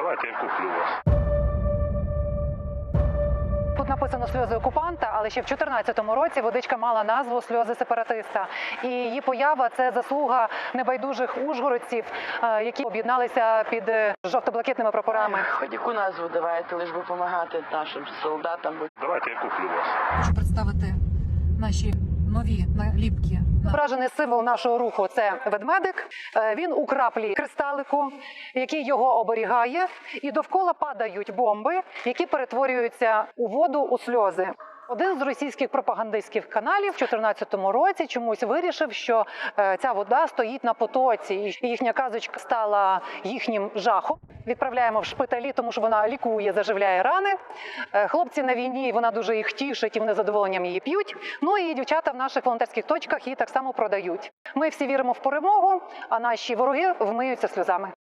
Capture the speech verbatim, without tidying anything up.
Давайте я куплю вас. Тут написано «сльози окупанта», але ще в чотирнадцятому році водичка мала назву «сльози сепаратиста». І її поява – це заслуга небайдужих ужгородців, які об'єдналися під жовто-блакитними прапорами. Хоч яку назву давайте, лиш би допомагати нашим солдатам. Давайте я куплю вас. Хочу представити наші нові наліпки. Зображений символ нашого руху – це ведмедик. Він у краплі кристалику, який його оберігає. І довкола падають бомби, які перетворюються у воду, у сльози. Один з російських пропагандистських каналів в чотирнадцятому році чомусь вирішив, що ця вода стоїть на потоці, і їхня казочка стала їхнім жахом. Відправляємо в шпиталі, тому що вона лікує, заживляє рани. Хлопці на війні, вона дуже їх тішить, і вони з задоволенням її п'ють. Ну і дівчата в наших волонтерських точках її так само продають. Ми всі віримо в перемогу, а наші вороги вмиються сльозами.